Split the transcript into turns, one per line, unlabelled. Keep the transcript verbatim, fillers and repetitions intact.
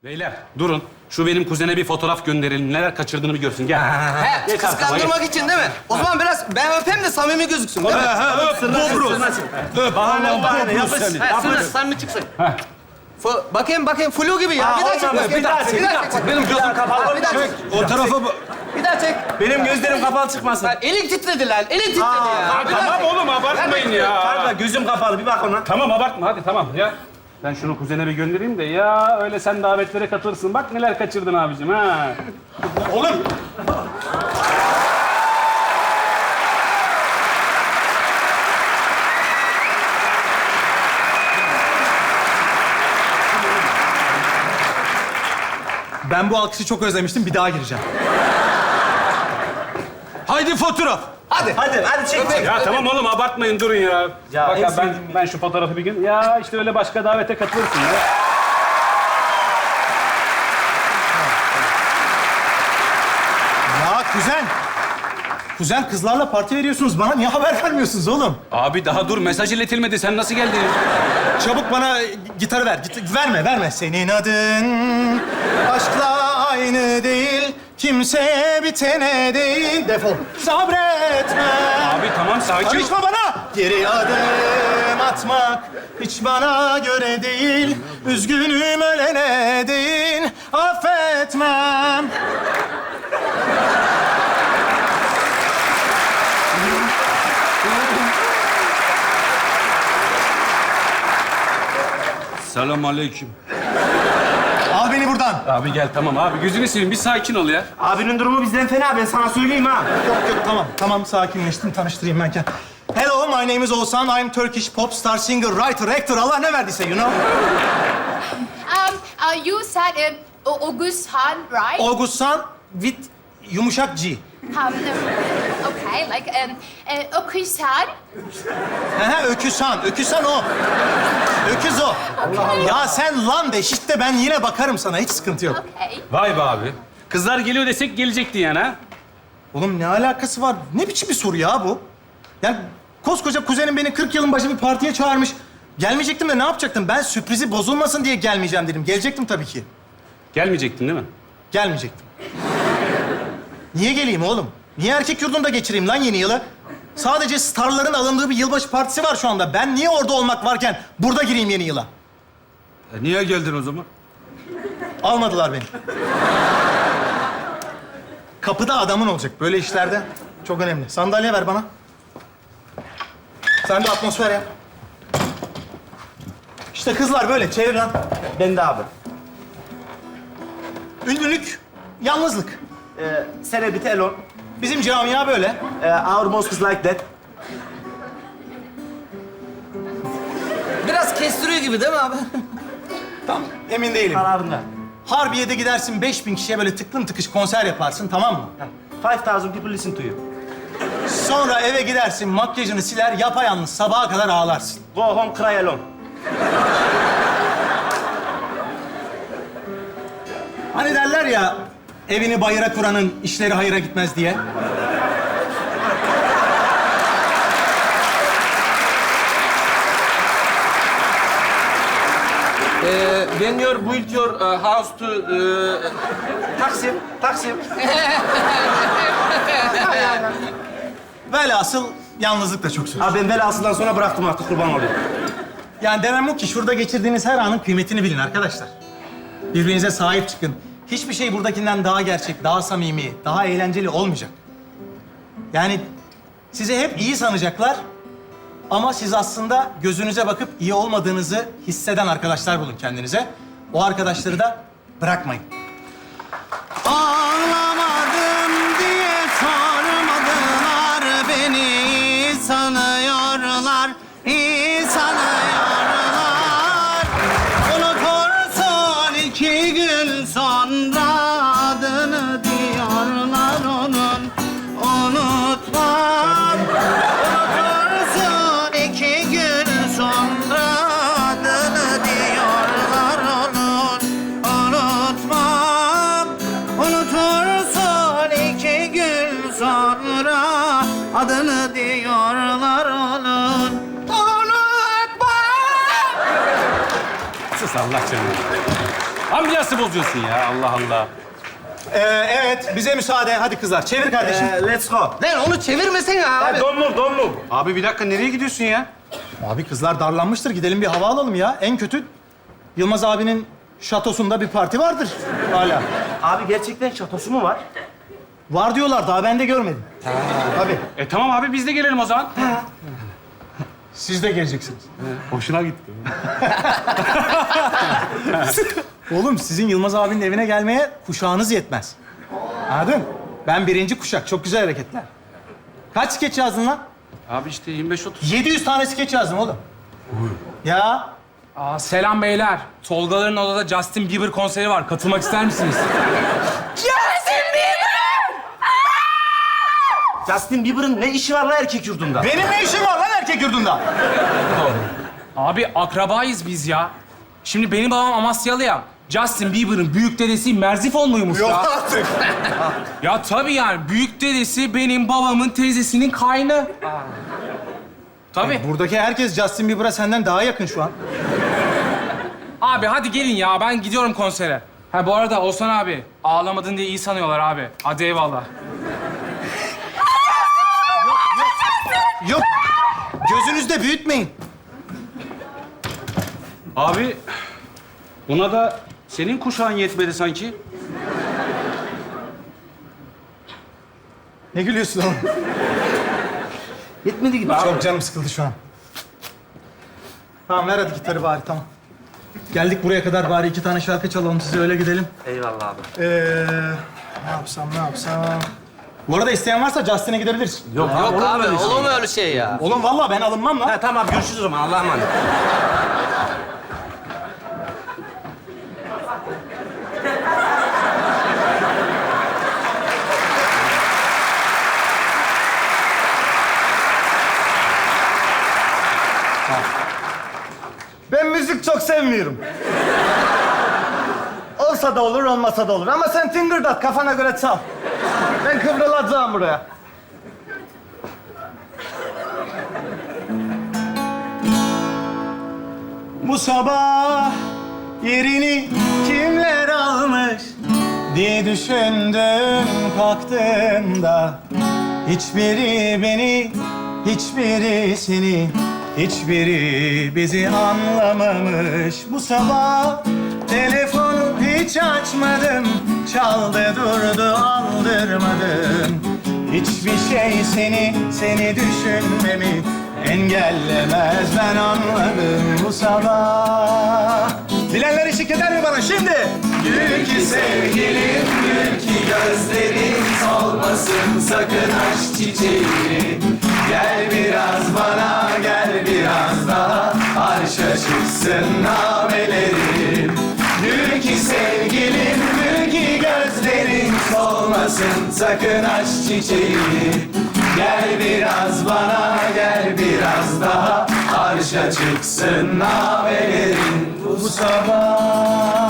Beyler durun. Şu benim kuzene bir fotoğraf gönderelim. Neler kaçırdığını bir görsün. Gel.
He,
Geç arkama,
kıskandırmak için değil mi? O zaman biraz ben öpeyim de samimi gözüksün değil mi?
Dobro. Öp. Bahane bahane. Yapış.
He, sırna samimi çıksın. Fu- bakayım bakayım flu gibi ya. Bir daha çek. bakayım.
bir daha çek, bir daha
çek.
Benim gözüm kapalı.
Bir daha çek.
O tarafa bak.
Bir daha çek.
Benim gözlerim kapalı çıkmasın.
Lan elin titredi lan. Elin titredi ya. Bir daha
Tamam
çek.
oğlum abartmayın ya.
Kanka gözüm kapalı bir bak ona.
Tamam abartma hadi tamam ya. Ben şunu kuzene bir göndereyim de ya öyle sen davetlere katılırsın. Bak neler kaçırdın abicim ha. Oğlum.
Ben bu alkışı çok özlemiştim. Bir daha gireceğim. Haydi fotoğraf.
Hadi.
Hadi hadi çek çek.
Ya tamam oğlum abartmayın durun ya.
Ya,
Bak
en
ya, ben,
sevdiğim
ben şu fotoğrafı bir gün... Ya işte öyle başka davete katılırsın ya.
Ya kuzen. Kuzen kızlarla parti veriyorsunuz. Bana niye haber vermiyorsunuz oğlum?
Abi daha dur mesaj iletilmedi. Sen nasıl geldin?
Çabuk bana gitarı ver. Git, verme, verme. Senin adın aşkla aynı değil. Kimse bitene değil. Defol. Sabretme.
Abi tamam sakin ol.
Karışma bana. Geri adım atmak hiç bana göre değil. Üzgünüm ölene değil. Affetmem.
Selam aleyküm.
Al beni buradan.
Abi gel tamam abi gözünü seveyim bir sakin ol ya.
Abinin durumu bizden fena ben sana söyleyeyim ha.
Yok yok tamam. Tamam sakinleştim. Tanıştırayım ben kendimi. Hello, my name is Oğuzhan. I'm Turkish pop star, singer, writer, actor. Allah ne verdiyse, you know.
Um, uh, you said uh, O- Augustan, right?
Oğuzhan with yumuşak G.
Um, okay, like um, uh, Augustan.
He öküzhan. Öküzhan o. Öküz o. Ya sen lan de şişt de ben yine bakarım sana. Hiç sıkıntı yok.
Okay.
Vay be abi. Kızlar geliyor desek gelecekti yani ha.
Oğlum ne alakası var? Ne biçim bir soru ya bu? Yani koskoca kuzenim beni kırk yılın başı bir partiye çağırmış. Gelmeyecektim de ne yapacaktım? Ben sürprizi bozulmasın diye gelmeyeceğim dedim. Gelecektim tabii ki.
Gelmeyecektin değil mi?
Gelmeyecektim. Niye geleyim oğlum? Niye erkek yurdunda geçireyim lan yeni yılı? Sadece starların alındığı bir yılbaşı partisi var şu anda. Ben niye orada olmak varken burada gireyim yeni yıla?
E, niye geldin o zaman?
Almadılar beni. Kapıda adamın olacak böyle işlerde. Çok önemli. Sandalye ver bana. Sen de atmosfer yap. İşte kızlar böyle. Çevir lan.
Ben de abi.
Ünlülük, yalnızlık.
Ee, celebrity alone.
Bizim camia böyle.
Ee, our mosque is like that.
Biraz kestiriyor gibi değil mi abi?
Tam emin değilim.
Kararında.
Harbiye'de gidersin beş bin kişiye böyle tıklım tıkış konser yaparsın, tamam mı?
Five thousand people listen to you.
Sonra eve gidersin, makyajını siler, yapayalnız sabaha kadar ağlarsın.
Go home, cry alone.
Hani derler ya, evini bayıra kuranın işleri hayıra gitmez diye.
Ee, when you build your uh, house to... Uh,
Taksim, Taksim.
Velhasıl yalnızlık da çok zor.
Abi ben velasından sonra bıraktım artık kurban olayım.
Yani demem o ki şurada geçirdiğiniz her anın kıymetini bilin arkadaşlar. Birbirinize sahip çıkın. Hiçbir şey buradakinden daha gerçek, daha samimi, daha eğlenceli olmayacak. Yani sizi hep iyi sanacaklar ama siz aslında gözünüze bakıp iyi olmadığınızı hisseden arkadaşlar bulun kendinize. O arkadaşları da bırakmayın.
Ağlamadım diye sormadılar beni. İyi sanıyorlar, iyi sanıyorlar. Unutursun iki gün sonra adını diyorlar onun. Unutmam. Unutursun iki gün sonra adını diyorlar onun. Unutmam. Unutursun iki gün sonra adını diyorlar onun. Unutmam.
Sus Allah canını. Ambiyansı bozuyorsun ya Allah Allah.
Ee, evet, bize müsaade. Hadi kızlar, çevir kardeşim.
Ee, let's go.
Lan onu çevirmesene abi.
Don't move, don't move.
Abi bir dakika nereye gidiyorsun ya?
Abi kızlar darlanmıştır. Gidelim bir hava alalım ya. En kötü Yılmaz abinin şatosunda bir parti vardır hala.
Abi gerçekten şatosu mu var?
Var diyorlar, daha ben de görmedim. Tabii.
E tamam abi biz de gelelim o zaman.
Siz de geleceksiniz.
Hoşuna gitti.
Oğlum sizin Yılmaz abinin evine gelmeye kuşağınız yetmez. Anladın? Ben birinci kuşak. Çok güzel hareketler. Kaç skeç yazdın lan?
Abi işte yirmi beş otuz.
yedi yüz tane skeç yazdım oğlum. Ya
Aa, selam beyler. Tolgaların odada Justin Bieber konseri var. Katılmak ister misiniz?
Justin Bieber'ın ne işi var lan erkek yurdunda?
benim ne işim var lan erkek yurdunda?
Abi akrabayız biz ya. Şimdi benim babam Amasyalı ya. Justin Bieber'ın büyük dedesi Merzifon muymuş ya?
artık.
Ya tabii yani. Büyük dedesi benim babamın teyzesinin kaynı. Tabii.
Buradaki herkes Justin Bieber'a senden daha yakın şu an.
Abi hadi gelin ya. Ben gidiyorum konsere. Ha bu arada Oğuzhan abi. Ağlamadın diye iyi sanıyorlar abi. Hadi eyvallah.
Yok. Gözünüzde büyütmeyin.
Abi buna da senin kuşağın yetmedi sanki.
Ne gülüyorsun oğlum?
Yetmedi gibi abi.
Çok canım sıkıldı şu an. Tamam ver hadi gitarı bari tamam. Geldik buraya kadar bari iki tane şarkı çalalım size öyle gidelim.
Eyvallah abi.
Ee, ne yapsam ne yapsam. Bu arada isteyen varsa Justin'e gidebiliriz.
Yok abi olur mu öyle şey ya?
Oğlum vallahi ben alınmam lan.
Ha, tamam abi görüşürüz o zaman. Allah'a emanet.
Ben müzik çok sevmiyorum. Olsa da olur, olmasa da olur. Ama sen tıngırdat, kafana göre çal. Ben kıvrılacağım buraya.
Bu sabah yerini kimler almış diye düşündüm kalktığımda. Hiçbiri beni, hiçbiri seni, hiçbiri bizi anlamamış. Bu sabah telefonu hiç açmadım, çaldı durdu aldırmadım. Hiçbir şey seni, seni düşünmemi engellemez, ben anladım bu sabah. Bilenler eşlik eder mi bana şimdi? Gül ki sevgilim, gül ki gözlerin solmasın sakın aşk çiçeği. Gel biraz bana, gel biraz daha, arşa çıksın namelerim. Gül ki sevgilim, gül ki gözlerin solmasın sakın aşk çiçeği. Gel biraz bana, gel biraz daha, arşa çıksın navelerin bu sabah.